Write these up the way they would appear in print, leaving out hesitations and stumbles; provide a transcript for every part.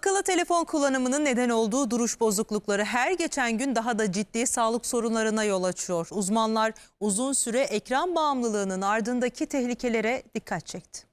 Akıllı telefon kullanımının neden olduğu duruş bozuklukları her geçen gün daha da ciddi sağlık sorunlarına yol açıyor. Uzmanlar uzun süre ekran bağımlılığının ardındaki tehlikelere dikkat çekti.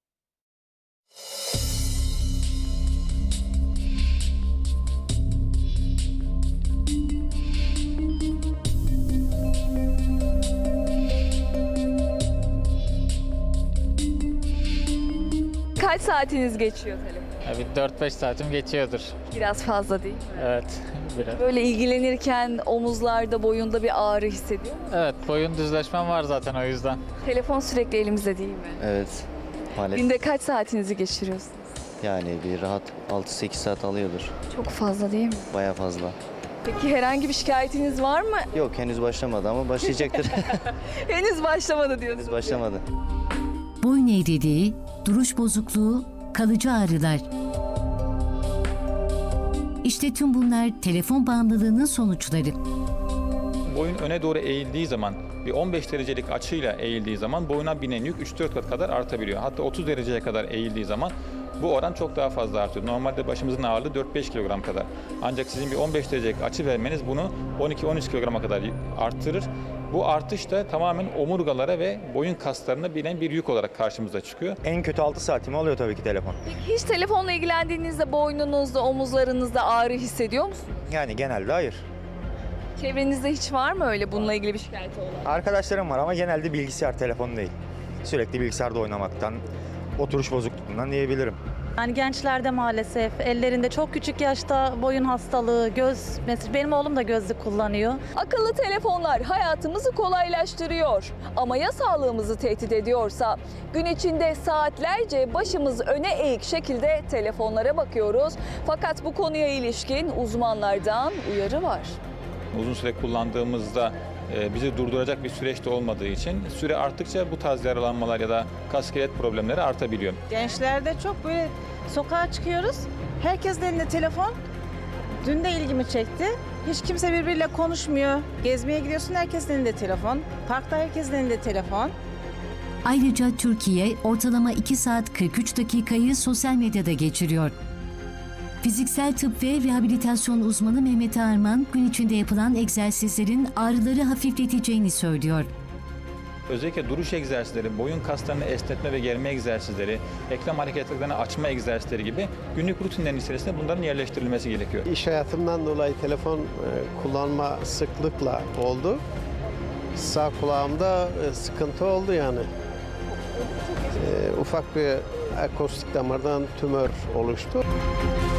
Kaç saatiniz geçiyor telefon? Bir 4-5 saatim geçiyordur. Biraz fazla değil mi? Evet, biraz. Böyle ilgilenirken omuzlarda, boyunda bir ağrı hissediyor musun? Evet, boyun düzleşmem var zaten o yüzden. Telefon sürekli elimizde değil mi? Evet, maalesef. Günde kaç saatinizi geçiriyorsunuz? Yani bir rahat 6-8 saat alıyordur. Çok fazla değil mi? Baya fazla. Peki herhangi bir şikayetiniz var mı? Yok, henüz başlamadı ama başlayacaktır. Henüz başlamadı diyorsunuz. Henüz başlamadı. Boyun eğriliği, duruş bozukluğu, kalıcı ağrılar. İşte tüm bunlar telefon bağımlılığının sonuçları. Boyun öne doğru eğildiği zaman, bir 15 derecelik açıyla eğildiği zaman boyuna binen yük 3-4 kat kadar artabiliyor. Hatta 30 dereceye kadar eğildiği zaman bu oran çok daha fazla artıyor. Normalde başımızın ağırlığı 4-5 kilogram kadar. Ancak sizin bir 15 derecelik açı vermeniz bunu 12-13 kilograma kadar arttırır. Bu artış da tamamen omurgalara ve boyun kaslarına binen bir yük olarak karşımıza çıkıyor. En kötü 6 saatimi alıyor tabii ki telefon. Peki hiç telefonla ilgilendiğinizde boynunuzda, omuzlarınızda ağrı hissediyor musunuz? Yani genelde hayır. Çevrenizde hiç var mı öyle bununla ilgili bir şikayeti olan? Arkadaşlarım var ama genelde bilgisayar, telefon değil. Sürekli bilgisayarda oynamaktan, oturuş bozukluğundan diyebilirim. Yani gençlerde maalesef ellerinde çok küçük yaşta boyun hastalığı, mesela benim oğlum da gözlük kullanıyor. Akıllı telefonlar hayatımızı kolaylaştırıyor ama ya sağlığımızı tehdit ediyorsa? Gün içinde saatlerce başımız öne eğik şekilde telefonlara bakıyoruz. Fakat bu konuya ilişkin uzmanlardan uyarı var. Uzun süre kullandığımızda bizi durduracak bir süreç de olmadığı için süre arttıkça bu tarz yaralanmalar ya da kas iskelet problemleri artabiliyor. Gençlerde çok böyle sokağa çıkıyoruz. Herkesin elinde telefon. Dün de ilgimi çekti. Hiç kimse birbiriyle konuşmuyor. Gezmeye gidiyorsun, herkesin elinde telefon. Parkta herkesin elinde telefon. Ayrıca Türkiye ortalama 2 saat 43 dakikayı sosyal medyada geçiriyor. Fiziksel tıp ve rehabilitasyon uzmanı Mehmet Arman, gün içinde yapılan egzersizlerin ağrıları hafifleteceğini söylüyor. Özellikle duruş egzersizleri, boyun kaslarını esnetme ve germe egzersizleri, eklem hareketlerini açma egzersizleri gibi günlük rutinlerin içerisinde bunların yerleştirilmesi gerekiyor. İş hayatımdan dolayı telefon kullanma sıklıkla oldu. Sağ kulağımda sıkıntı oldu yani. Ufak bir akustik damardan tümör oluştu.